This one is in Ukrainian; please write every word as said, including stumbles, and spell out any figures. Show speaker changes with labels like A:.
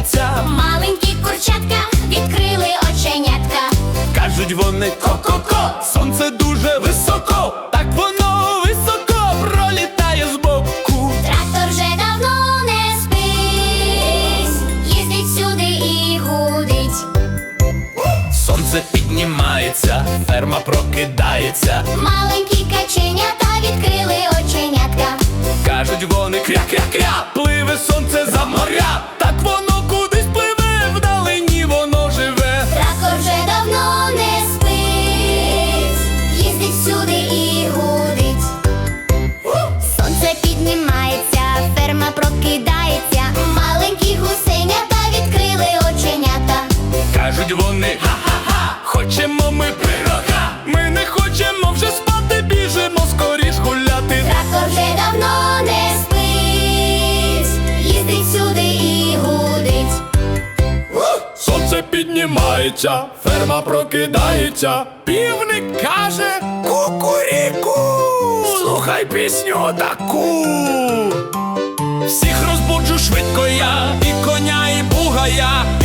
A: піднімається.
B: Маленькі курчатка відкрили оченятка.
A: Кажуть вони ко-ко-ко, сонце дуже високо, так воно високо пролітає збоку.
B: Трактор вже давно не спить, їздить сюди і гудить.
A: Сонце піднімається, ферма прокидається.
B: Маленькі каченята відкрили оченятка.
A: Кажуть вони кря-кря-кря, пливе сонце за моря, так воно кудись пливе, вдалині воно живе.
B: Трактор вже давно не спить, їздить сюди і гудить. Сонце піднімається, ферма прокидається. Маленькі гусенята відкрили оченята.
A: Кажуть вони ха-ха-ха, хочемо ми пирога. Ми не хочемо вже спати, біжимо скоріш гуляти.
B: Трактор вже давно не спить, їздить сюди і гудить.
A: Сонце піднімається, ферма прокидається. Півник каже кукуріку, слухай пісню таку. Всіх розбуджу швидко я, і коня, і бугая.